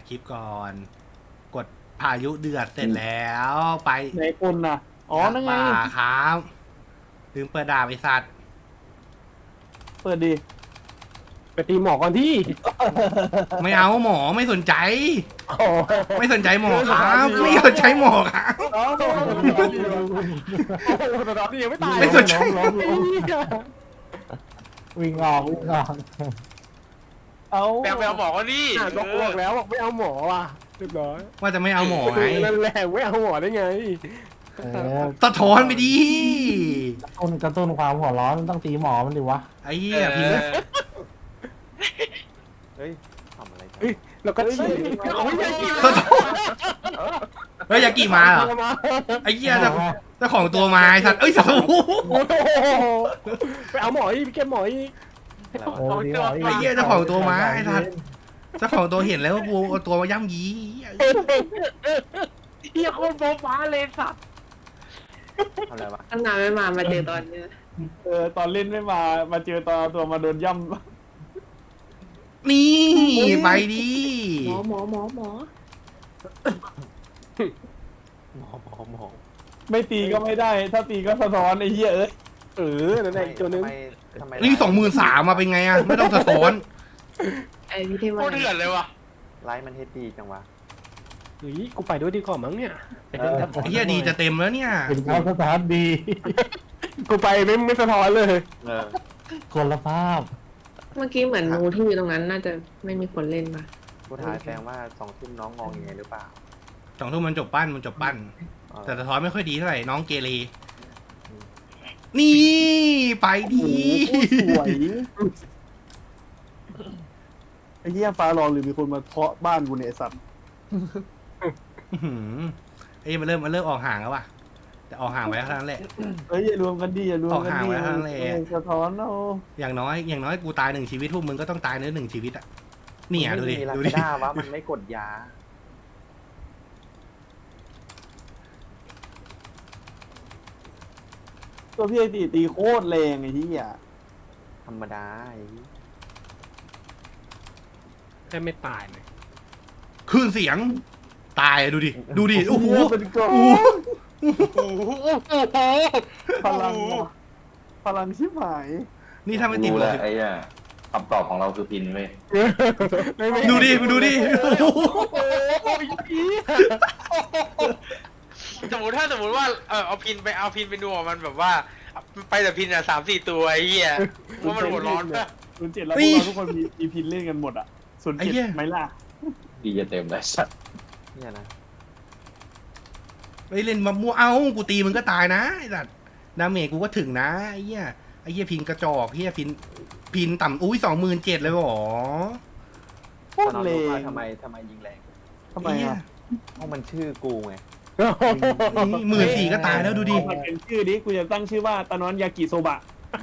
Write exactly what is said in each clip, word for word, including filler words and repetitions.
คลิปก่อน กดพายุเดือดเสร็จแล้วไปไหนคนน่ะอ๋อนั่นไงป่าครับลืมเปิดดาบไอสัตว์เปิดดิไปตีหมอก่อนที่ไม่เอาหมอไม่สนใจโอ้ไม่สนใจหมอครับไม่สนใจหมอครับโหแต่ตอนนี้ยังไม่ตายไม่สนใจวิ่งออกวิ่งออกเอาแปลไปเอาหมอก็นี่บอกบอกแล้วบอกไม่เอาหมอว่ะเรียบร้อยว่าจะไม่เอาหมอไงนั่นแหละไม่เอาหมอได้ไงเออสะท้อนไปดิกระตุ้นกระตุ้นความหัวร้อนมันต้องตีหมอมันดิวะไอ้เหี้ยพิมพ์เฮ้ยทำอะไรกันเฮ้ยแล้วก็ฉีดเอาไม่ได้สะท้อนเฮ้ยยากิมาเหรอไอ้เหี้ยเจ้าเจ้าของตัวมาไอ้สัตว์เอ้ยสัตว์โอ้โหไปเอาหมออีกพี่แกหมออีกเออดีหมอไอ้เหี้ยเจ้าของตัวมาไอ้สัตว์เจ้าของตัวเห็นแล้วว่ากูเอาตัวมาย่ำยีเฮียโคตรโบ๊ะบ้าเลยสัตว์ทำอะไรวะตั้งนานไม่มา มาเจอตอนเนี้ยเออตอนเล่นไม่มามาเจอตอนเอาตัวมาโดนย่นี่ไปดิหมอหมอหมอหมอหมอหมอหมอำไม่ตีก็ไม่ได้ ถ้าตีก็สะท้อนไอ้เหี้ยเอ้ยเออนั่นแหละอีกตัวนึงทำไมทำไมนี่สองหมื่นสามมาเป็นไงอะไม่ต้องสะท้อนไอพี่เทโควันตรเดือดเลยว่ะไลฟ์มันเฮดดีจังวะเฮ้ยกูไปด้วยดีกว่ามั้งเนี่ยไอ้เหี้ยดีจะเต็มแล้วเนี่ยเป็นเขาสถานดีกูไปไม่ไม่สะท้อนเลยเออคนละภาพเมื่อกี้เหมือนงูที่อยู่ตรงนั้นน่าจะไม่มีคนเล่นป่ะกูถ่ายแปลงว่าสองทุ่มน้องงองยังไงหรือเปล่าสองทุ่มมันจบปั้นมันจบปั้นเออแต่สะท้อนไม่ค่อยดีเท่าไหร่น้องเกเรนี่ไปดิโอ้โหสวยไอ้เหี้ยฟ้าร้องหรือมีคนมาเคาะบ้านกูเนี่ยไอ้สัตว์อื้อหือไอ้ยมันเริ่มมันเริ่มออกห่างแล้วว่ะแต่ออกห่างไว้เท่านั้นแหละเอ้ยอย่ารวมกันดิอย่ารวมกันออกห่างดิไว้ข้างในเออสะท้อนเอาอย่างน้อยอย่างน้อยกูตายหนึ่งชีวิตพวกมึงก็ต้องตายในหนึ่งชีวิตอ่ะนี่อ่ะดูดิมันดูไม่มีดิลาซาด้าวะมันไม่กดยาตัวพี่ไอตีตีโคตรแรงไอ้เหี้ยธรรมดาไอ้แค่ไม่ตายเลยคลื่นเสียง ตายดูดิดูดิโอ้โหเป็นกองโอ้โหพลังว่ะพลังชิบหายนี่ถ้าไม่ติดรู้เลแล้วยไอ้เนี่ยคำตอบของเราคือพินเว้ยไม่ไม่ดูดิดูดิโอ้โหสมมติถ้าสมมติว่าเออเอาพินไปเอาพินไปดูอ่ะมันแบบว่า ไปแต่พินอ่ะสามสี่ตัวไอ้เหี้ยว่ามันหัวร้อนปะศูนย์เจ็ดแล้วพวกเราทุกคนมีมีพินเล่นกันหมดอ่ะศูนย์เจ็ดไหมล่ะดีจะเต็มเลยสัตว์เนี่ยนะไปเล่นมามั่วเอ้ากูตีมึงก็ตายนะไอ้สัตว์ดาเมจกูก็ถึงนะไอ้เหี้ยไอ้เหี้ยพินกระจอกเหี้ยพินพินต่ำอุ้ยสองหมื่นเจ็ดเลยเหรอโคตอตนรเราเลรู้ว่าย ทำไมทำไมยิงแรงทำไมไอ้เหี้ยอ่ะเพราะมันชื่อกูไงนี่หมื่นสี่ก็ตายแล้วดูดิเอามาเป็นชื่อดิกูจะตั้งชื่อว่าตานอนยากิโซบะ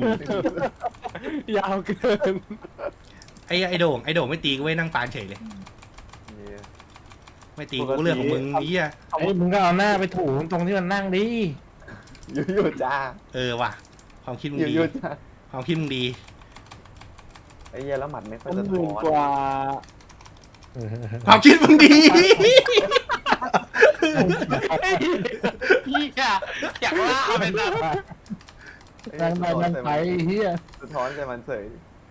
ยาวเกินไอ้ไอ้โด่งไอ้โด่งไม่ตีกูไว้นั่งปานเฉยเลยเนี่ยไม่ตีกูเรื่องของมึงไอ้เหี้ยไอ้ยมึงก็เอาหน้าไปถูตรงที่มันนั่งดิอยู่อยู่จ้าเออว่ะความคิดมึงอยู่ดีอยู่จ้าความคิดมึงดีไอ้เหี้ยแล้วหมัดไม่ค่อยต้นสะหมื่ท้นอนกว่าความคิดมึงดีเหี้ยอยากล่าเอาไปซะนั่งไปนั่งไปเฮียสะท้อนใจมันเสย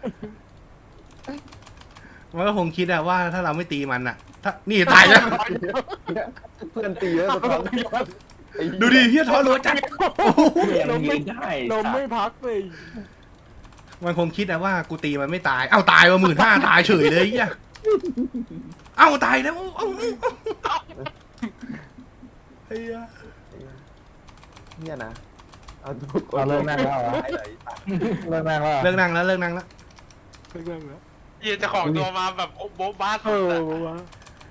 มันก็คงคิดอะว่าถ้าเราไม่ตีมันอะถ้านี่ตายแล้วเพื่อนตีแล้วสะท้อนไอ้เหี้ยดูดิเฮียท้อรัวจัดลมไม่ลมไม่พักเลยมันคงคิดนะว่ากูตีมันไม่ตาย เอ้าตายว่าหมื่นห้าตายเฉยเลยเฮียเอ้าตายแล้วเอ้าเฮียเนี่ยนะเอาดูเราเลิกนั่งแล้วเหรอไอ้ไหนตัดเลิกนั่งแล้วเหรอเลิกนั่งแล้วเลิกนั่งแล้วเรื่องแล้วเหี้ยเจะของตัวมาแบบโบ๊ะบ้าเอสุดออะวะ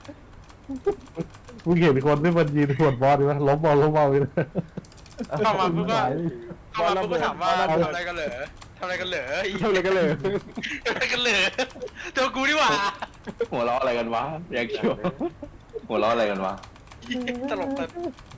มึงเห็นคนที่มันยืนขวดบอลดิวะล้มบอลล้มบอลเลยเข้ามาปุ๊บก็เข้ามาปุ๊บก็ถามว่าทำอะไรกันเหรอทำอะไรกันเหรอไอ้ทำอะไรกันเลยทำอะไรกันเหรอตัวกูนี่หว่าหัวเราะอะไรกันวะอยากคิดว่าหัวเราะอะไรกันวะตลกแต่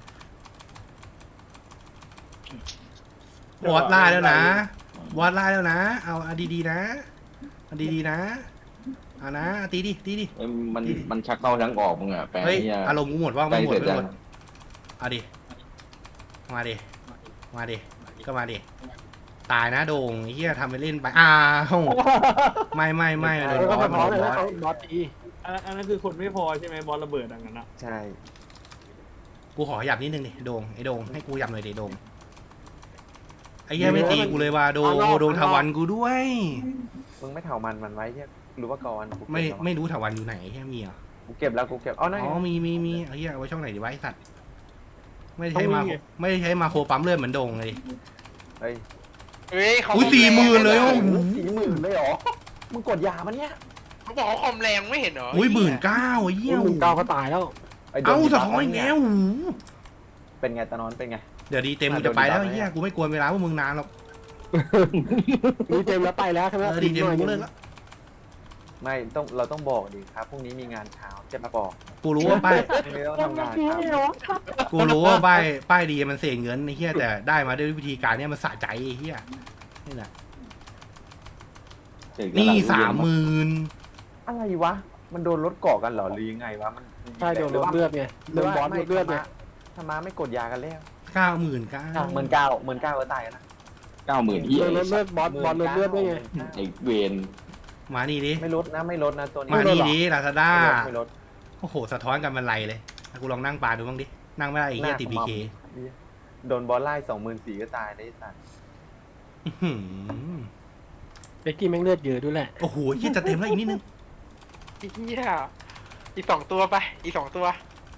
วอดไล่แล้วนะวอดไล่แล้วนะ เอาเอาดีๆนะเอาดีๆนะอ่านะตีดิตีดิเอ้ยมันมันชักเข้าชักออกมึงอ่ะแปลงเฮ้ยเนี่ยอารมณ์กูหมดว่าใกล้ไม่หมดเสร็จไม่ยังหมดเอาดิมาดิมาดิก็มาดิตายนะโด่งไอ้เหี้ยทำไปเล่นไปอ้าวไม่ไม่ไม่โดนแล้วบก็อสสะท้อนโดเลยนบอสนะเขาบอสตีอันนั้นอันนั้นคือคนไม่พอใช่ไหมบอลระเบิดดังนั้นอะใช่กูขอหยับนิดนึงดิโด่งไอ้โด่งให้กูหยับหน่อยดิโด่งไอ้เหี้ยไม่ตีกูเลยว่ะโด่งโด่งทวันกูด้วยมึงไม่เถามันมันไว้ใช่หรือว่าก่อนกูเก็บไม่แล้วไม่รู้ถวันอยู่ไหนแค่มีเหรอกูเก็บแล้วกูเก็บอ๋อนั่นอ๋ไงอมีมีมีไอ้เหี้ยเอาไว้ช่องไหนดีวะไอ้สัตว์ไม่ได้ใช้มาไม่ได้ใช้มาโครปั๊มเลือดเหมือนโด่งเลยเฮ้ยเฮ้ยเขาอุ้ยสี่หมื่นเลยโอ้โหสี่หมื่นเลยเหรอมึงกดยามันเนี่ยเขาบอกเขาคอมแรงไม่เห็นเหรออุ้ยหมื่นเก้าไอ้เหี้ยหนึ่งเก้าก็ตายแล้วไโดนเอ้าดีสะบัฟท้อนอีกแล้วโอ้โหเป็นไงตานอนเป็นไงเดี๋ยวดีเต็มกูจะไปแล้วไอ้เหี้ยกูไม่กวนเวลาพวกมึงนานหรอกดีเต็มแล้วไปแล้วใช่ไหมเออดีเต็มกูเลิกแล้วไม่ต้องเราต้องบอกดิครับพรุ่งนี้มีงานเช้าจะมาบอกกูรู้ว่าป้ายพรุ่งนี้ต้องทำงานครับกูรู้ว่าป้ายป้ายดีมันเสียเงินไอ้เหี้ยแต่ได้มาด้วยวิธีการเนี้ยมันสะใจไอ้เหี้ยนี่แหละเสร็จนี่แล้วสามหมื่นอะไรวะมันโดนรถเกาะกันเหรอหรือยังไงวะมันใช่โดนลดเลือดไงโดนบอสลดเลือดไงทำมาไม่กดยากันแล้วเก้าหมื่นเก้าหมื่นเก้าหมื่นเก้าก็ตายนะเก้าหมื่นเฮียโดนลดเลือดบอสบอสลดเลือดด้วยไงไอ้เวนมานี่ดิไม่ลดนะไม่ลดนะตัวนี้มานี่ดิลาซาด้าไม่ลดโอ้โหสะท้อนกันมันไรเลยกูลองนั่งปลาดูบ้างดินั่งไม่ได้ไอ้เหี้ยติดบีเคโดนบอลไล่สองหมื่นสี่ก็ตายได้สัตว์เบกกี้แม่งเลือดเยอะด้วยแหละโอ้โหเหี้ยจะเต็มแล้วอีกนิดนึงเฮียอีกสองตัวไป อีกสองตัว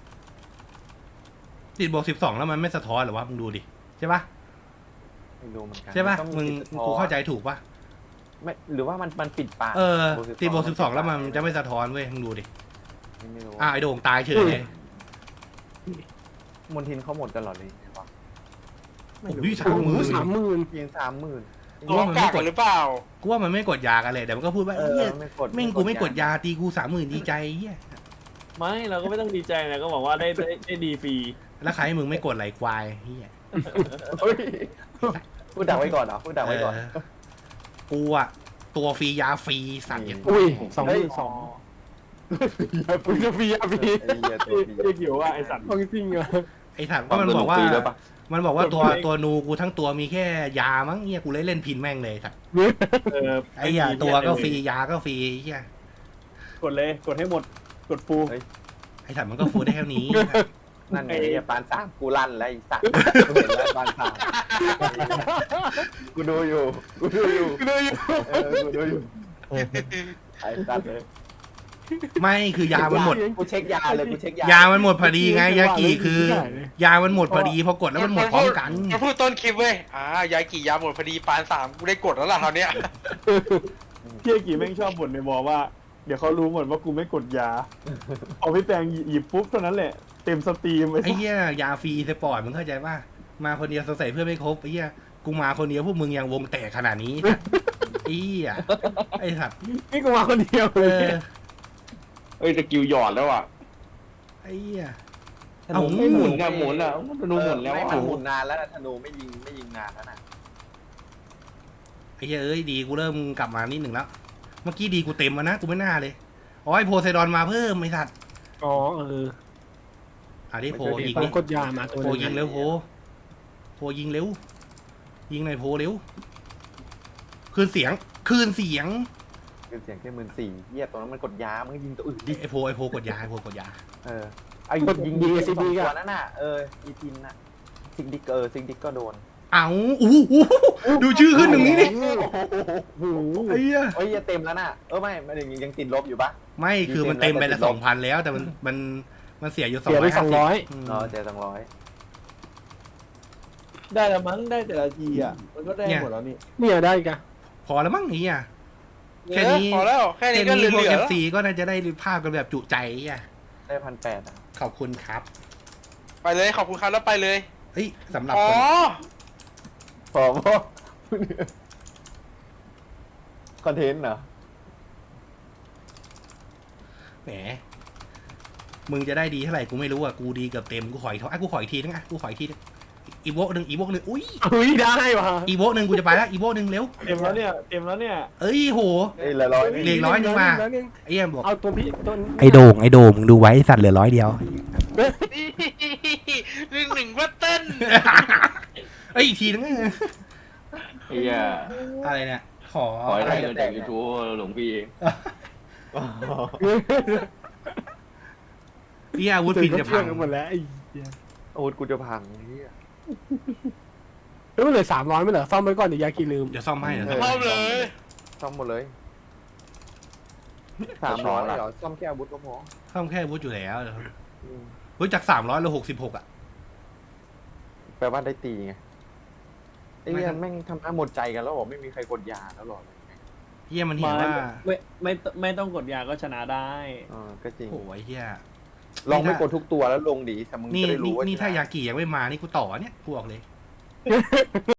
ติดบวกสิบสองแล้วมันไม่สะท้อนหรอวะมึงดูดิใช่ปะไม่รู้เหมือนกันใช่ปะต้องมึงติดสะท้อนกูเข้าใจถูกปะไม่หรือว่ามันมันปิดปากเออติดบวกสิบสองแล้วมันจะไม่สะท้อนเว้ยมึงดูดิไม่รู้อ่ะไอโด่งตายเฉยเลยมนทินเขาหมดกันเหรอเลยโอ้ยสามหมื่นสามหมื่นยิงสามหมื่นตัวกากกันหรือเปล่ากูว่ามันไม่กดยากันเลยแต่มันก็พูดว่าเอเฮีอย ไม่กดแม่งกูไม่กดยาตีกูสามหมื่นดีใจเฮียไม่เราก็ไม่ต้องดีใจนะก็บอกว่าได้ได้ได้ดีฟรีแล้วใครให้มึงไม่กดไหลควายเฮียเฮ้ยพูดดักไว้ก่อนเหรอพูดดักไว้ก่อนเออกูอะตัวฟรียาฟรีสัตว์อย่างอุ้ยสองหเฮ้ยมื่นสองฟรีฟรีฟรีไอ้เหี้ยตัวฟรีเรียกอยู่ว่าไอสัตว์ของจริงเหรอไอ้สัตว์ก็มันบอกว่าปีแล้วปะมันบอกว่าตัวตัวนูกูทั้งตัวมีแค่ยามั้งเฮียกูเลยเล่นพินแม่งเลยสัตว์เออไอ้เหี้ยตัวก็ฟรียาก็ฟรีเฮียกดเลยกดให้หมดกดฟูไอ้สัตว์มันก็ฟูได้แค่นี้นั่นไงเนี่ยปานสามกูลั่นแล้วไอ้สัตว์กูเห็นแล้วปานสามกูดูอยู่กูดูอยู่กูดูอยู่เออกูดูอยู่ไอ้สัตว์เลยไม่คือยามันหมดกูเช็คยาเลยกูเช็คยายามันหมดพอดีไงยากิคือ ยามันหมดพอดีพอกดแล้วมันหมดพร้อมกันมาพูดต้นคลิปเว้ย อ่ายากี่ยาหมดพอดีปานสามกูได้กดแล้วล่ะคราวเนี้ยพี่เอกี่แม่งชอบบ่นในบอว่า เดี๋ยวเขารู้หมดว่ากูไม่กดยาเอาพี่แปงหยิบปุ๊บเท่านั้นแหละเต็มสตรีมไอ้ไอ้เหี้ยยาฟรีสปอร์ตมึงเข้าใจป่ะมาคนเดียวสงสัยเพื่อนไม่ครบไอ้เหี้ยกูมาคนเดียวพวกมึงยังวงแตกขนาดนี้ไอ้เหี้ยไอ้สัตว์นี่กูมาคนเดียวเอเลยอเอ้ยสกิลหยอดแล้วอ่ะไอ้เหี้ยธนูไม่หมุนอะหมุนอะธนูหมุนแล้วไม่อะมันหมุนนานแล้วนะธนูไม่ยิงไม่ยิงนานแล้วนะไอ้เหี้ยเอ้ยดีกูเริ่มกลับมานิดหนึ่งแล้วเมื่อกี้ดีกูเต็มแล้วนะกูไม่น่าเลยอ๋อไอโพไซดอนมาเพิ่มไอ้สัตว์อ๋อเอออ่ะดิโพยิงผมดิกดยามาตัวโพยิงเร็วโพโพยิงเร็วยิงหน่อยโพเร็วคืนเสียงคืนเสียงคือเสียงแค่หมื่นสี่เหี้ยตรงนั้นมันกดยามันก็ยิงตัวอื่นดิไอโพไอโพกดยาไอโพกดยาเออไอ้ยิงยิงสองตัวนั่นน่ะเอออีพินน่ะซิงดิกเออซิงดิกก็โดนเอาอู้หูดูชื่อขึ้นตรงนี้นี่โอ้โหไอ้เหี้ยเฮ้ยเต็มแล้วน่ะเออไม่มันยังยังติดลบอยู่ปะไม่คือมันเต็มไปละสองพันแล้วแต่มันมันมันเสียอยู่สองเสียร้ไปอยสองร้อยเออเจอสองร้อยได้ละมั้งได้แต่ละทีอ่ะมันก็ได้หมดแล้วนี่เนี่ยได้อีกันพอแล้วมั้งไอ้เหี้ย แค่นี้พอแล้ว แค่แค่นี้ก็เหนี้พวกลือเอๆฟแล้วซีก็น่าจะได้ภาพกันแบบจุใจอ่ะได้พันแปดอ่ะขอบคุณครับไปเลยขอบคุณครับแล้วไปเลยเฮ้ยสำหรับอ๋อคนพอพอคอนเทนต์เหรอแหมมึงจะได้ดีเท่าไหร่กูไม่รู้อ่ะกูดีเกือบเต็มกูขออีกเท่าอ่ะกูขออีกทีนึงอ่ะกูขออีกทีนึงอีโวหนึ่งอีโวหนึ่งอุ้ยเฮ้ยได้ว่ะอีโวหนึ่งกูจะไปแล้วอีโวหนึ่งเร็วเต็มแล้วเนี่ยเต็มแล้วเนี่ยเอ้ยโหเฮ้ยละร้อยเหลือร้อยหนึ่งมาร้อยหนึ่งไอ้เหี้ยบอกเอาตัวพี่ตัวไอ้โด่งไอ้โด่งมึงดูไว้สัตว์เหลือร้อยเดียวหนึ่งหนึ่งว่าเต้นเอ้ยอีกทีนึงไอ้เหี้ยอะไรเนี่ยขอขอให้ได้เงินจากยูทูบหลวงพี่พี่อาวุธพินจะพังเชื่อกันหมดแล้วไอ้เหี้ยโอ้ยกูจะพังเฮียเฮ้ยมันเหลือสามร้อยไม่เหรอซ่อมไว้ก่อนเดี๋ยวยากิลืมเดี๋ยวซ่อมให้เดี๋ยวเอซ่ออมซ่อมเลยซ่อมหมดเลยสามร้อยเหรอซ่อมแค่อาวุธก็พอซ่อมแค่อาวุธอยู่แล้วเดี๋ยวอืมเฮ้ยจากสามร้อยเหลือหกสิบหกอ่ะแปลว่าได้ตีไงไอ้ไม่เหี้ยทันแม่งทำหน้าหมดใจกันแล้วบอกไม่มีใครกดยาแล้วหรอเฮียมันเห็นว่าไม่ไม่ไม่ต้องกดยาก็ชนะได้เออก็จริงโอ้ยเฮียลองไม่กดทุกตัวแล้วลงดีแต่มึงนี่จะได้นี่รู้ว่านี่ชะถ้ายากิยังไม่มานี่กูต่อเนี่ยกูบอกเลย